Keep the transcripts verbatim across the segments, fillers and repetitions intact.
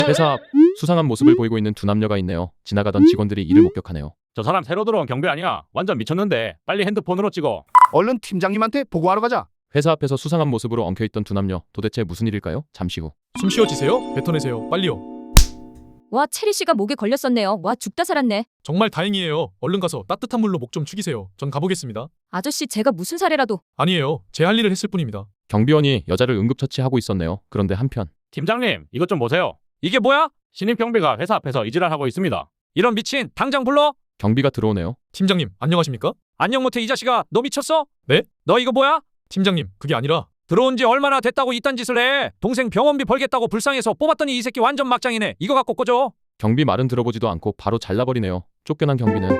회사 앞 수상한 모습을 보이고 있는 두 남녀가 있네요. 지나가던 직원들이 이를 목격하네요. 저 사람 새로 들어온 경비 아니야? 완전 미쳤는데 빨리 핸드폰으로 찍어. 얼른 팀장님한테 보고하러 가자. 회사 앞에서 수상한 모습으로 엉켜있던 두 남녀, 도대체 무슨 일일까요? 잠시 후 숨 쉬어지세요. 뱉어내세요. 빨리요. 와, 체리 씨가 목에 걸렸었네요. 와, 죽다 살았네. 정말 다행이에요. 얼른 가서 따뜻한 물로 목 좀 축이세요. 전 가보겠습니다. 아저씨, 제가 무슨 사례라도. 아니에요. 제 할 일을 했을 뿐입니다. 경비원이 여자를 응급처치하고 있었네요. 그런데 한편 팀장님, 이것 좀 보세요. 이게 뭐야? 신입 경비가 회사 앞에서 이질하고 있습니다. 이런 미친 당장 불러. 경비가 들어오네요. 팀장님, 안녕하십니까? 안녕 못해 이 자식아. 너 미쳤어? 네? 너 이거 뭐야? 팀장님, 그게 아니라 들어온 지 얼마나 됐다고 이딴 짓을 해. 동생 병원비 벌겠다고 불쌍해서 뽑았더니 이 새끼 완전 막장이네. 이거 갖고 꺼줘. 경비 말은 들어보지도 않고 바로 잘라버리네요. 쫓겨난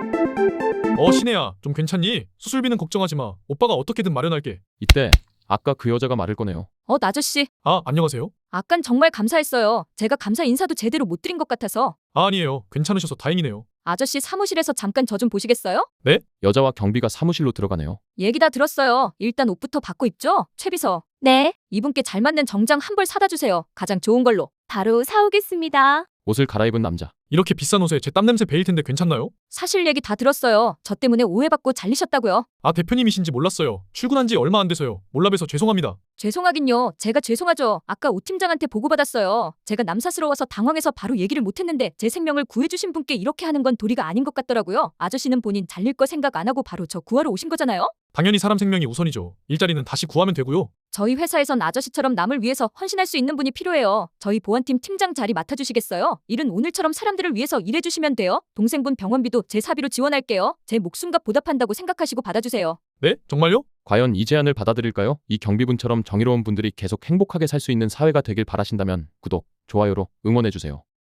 경비는 어 신혜야, 좀 괜찮니? 수술비는 걱정하지 마. 오빠가 어떻게든 마련할게. 이때 아까 그 여자가 말을 꺼내요. 어, 아저씨. 아, 안녕하세요? 아깐 정말 감사했어요. 제가 감사 인사도 제대로 못 드린 것 같아서. 아, 아니에요. 괜찮으셔서 다행이네요. 아저씨 사무실에서 잠깐 저 좀 보시겠어요? 여자와 경비가 사무실로 들어가네요. 얘기 다 들었어요. 일단 옷부터 바꿔 입죠? 최비서. 네. 이분께 잘 맞는 정장 한 벌 사다 주세요. 가장 좋은 걸로. 바로 사오겠습니다. 옷을 갈아입은 남자. 이렇게 비싼 옷에 제 땀냄새 배일 텐데 괜찮나요? 사실 얘기 다 들었어요. 저 때문에 오해받고 잘리셨다고요. 아, 대표님이신지 몰랐어요. 출근한 지 얼마 안 돼서요. 몰라봬서 죄송합니다. 죄송하긴요. 제가 죄송하죠. 아까 오 팀장한테 보고받았어요. 제가 남사스러워서 당황해서 바로 얘기를 못했는데 제 생명을 구해주신 분께 이렇게 하는 건 도리가 아닌 것 같더라고요. 아저씨는 본인 잘릴 거 생각 안 하고 바로 저 구하러 오신 거잖아요. 당연히 사람 생명이 우선이죠. 일자리는 다시 구하면 되고요. 저희 회사에선 아저씨처럼 남을 위해서 헌신할 수 있는 분이 필요해요. 저희 보안팀 팀장 자리 맡아주시겠어요? 일은 오늘처럼 사람들을 위해서 일해주시면 돼요. 동생분 병원비도 제 사비로 지원할게요. 제 목숨값 보답한다고 생각하시고 받아주세요. 네? 정말요? 과연 이 제안을 받아들일까요? 이 경비분처럼 정의로운 분들이 계속 행복하게 살 수 있는 사회가 되길 바라신다면 구독, 좋아요로 응원해주세요.